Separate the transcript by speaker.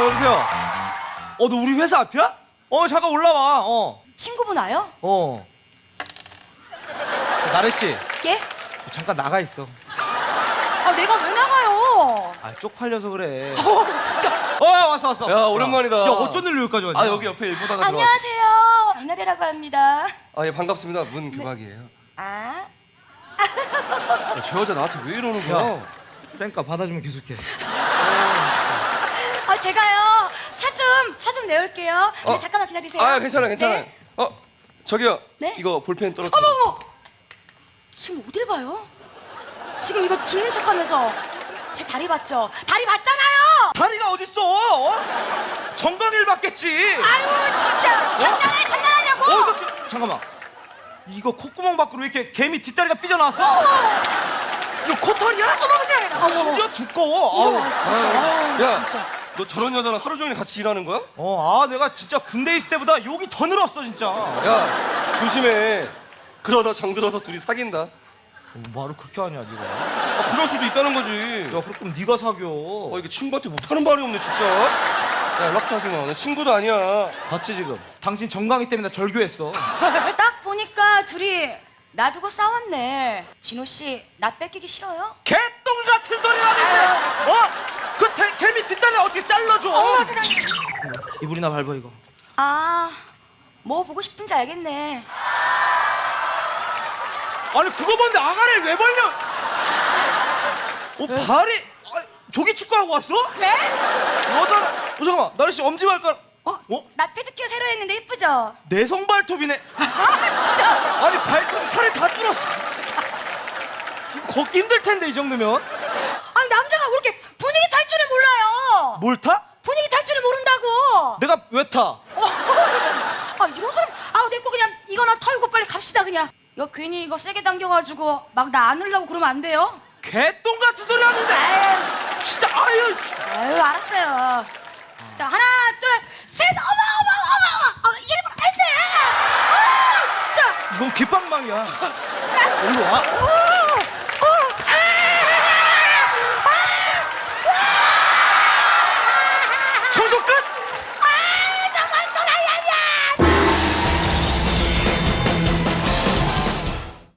Speaker 1: 여보세요. 너 우리 회사 앞이야? 잠깐 올라와.
Speaker 2: 친구분 와요?
Speaker 1: 나래 씨,
Speaker 2: 예?
Speaker 1: 잠깐 나가 있어.
Speaker 2: 내가 왜 나가요?
Speaker 1: 쪽팔려서 그래.
Speaker 2: 진짜.
Speaker 1: 왔어.
Speaker 3: 야, 오랜만이다.
Speaker 1: 야, 어쩐 일로 여기까지 왔냐?
Speaker 3: 여기 옆에 일 보다가
Speaker 2: 안녕하세요. 이나래라고 합니다.
Speaker 3: 예, 반갑습니다. 문규박이에요.
Speaker 2: 아?
Speaker 3: 저 여자 나한테 왜 이러는 거야?
Speaker 1: 야, 쌩까 받아주면 계속해.
Speaker 2: 제가요. 차 좀 내올게요. 네, 잠깐만 기다리세요.
Speaker 3: 괜찮아.
Speaker 2: 네?
Speaker 3: 저기요.
Speaker 2: 네?
Speaker 3: 이거 볼펜 떨어뜨려.
Speaker 2: 어머. 지금 어딜 봐요? 지금 이거 죽는 척하면서 제 다리 봤죠? 다리 봤잖아요.
Speaker 1: 다리가 어딨어? 정강이를 받겠지.
Speaker 2: 아유 진짜 장난하냐고.
Speaker 1: 잠깐만. 이거 콧구멍 밖으로 왜 이렇게 개미 뒷다리가 삐져나왔어? 이거 코털이야?
Speaker 2: 어머.
Speaker 1: 심지어 두꺼워.
Speaker 3: 야,
Speaker 2: 진짜.
Speaker 3: 너 저런 여자랑 하루 종일 같이 일하는 거야?
Speaker 1: 내가 진짜 군대 있을 때보다 욕이 더 늘었어 진짜.
Speaker 3: 야, 조심해. 그러다 정들어서 둘이 사귄다.
Speaker 1: 말을 그렇게 하냐 네가.
Speaker 3: 그럴 수도 있다는 거지.
Speaker 1: 야 그럼 네가 사겨.
Speaker 3: 이게 친구한테 못하는 말이 없네 진짜. 야, 연락도 하지 마. 나 친구도 아니야.
Speaker 1: 봤지 지금? 당신 정강이 때문에 나 절교했어.
Speaker 2: 딱 보니까 둘이 놔두고 싸웠네. 진호 씨, 나 뺏기기 싫어요?
Speaker 1: 개똥 같은 소리 하는데. 그 개미 뒷다리 어떻게 잘라줘?
Speaker 2: 어머 세상에.
Speaker 1: 이불이나 밟아 이거.
Speaker 2: 뭐 보고 싶은지 알겠네.
Speaker 1: 아니 그거 뭔데 아가리를 왜 벌려? 발이 조기 축구하고 왔어?
Speaker 2: 네?
Speaker 1: 여자가 잠깐만 나래 씨 엄지 발가락
Speaker 2: 나 페드큐어 새로 했는데 예쁘죠?
Speaker 1: 내성 발톱이네.
Speaker 2: 진짜.
Speaker 1: 아니 발톱 살을 다 뚫었어. 이거 걷기 힘들 텐데 이 정도면.
Speaker 2: 아니 남자가 왜 이렇게 분위기 탈 줄을 몰라요?
Speaker 1: 뭘 타?
Speaker 2: 분위기 탈 줄을 모른다고.
Speaker 1: 내가 왜 타?
Speaker 2: 이런 사람. 됐고 그냥 이거나 털고 빨리 갑시다 그냥. 야 괜히 이거 세게 당겨가지고 막 나 안으려고 그러면 안 돼요?
Speaker 1: 개똥 같은 소리 하는데. 진짜 아유.
Speaker 2: 알았어요. 자 하나 둘 셋. 어머 이게 못했네. 진짜.
Speaker 1: 이건 귓방망이야. 일로 와.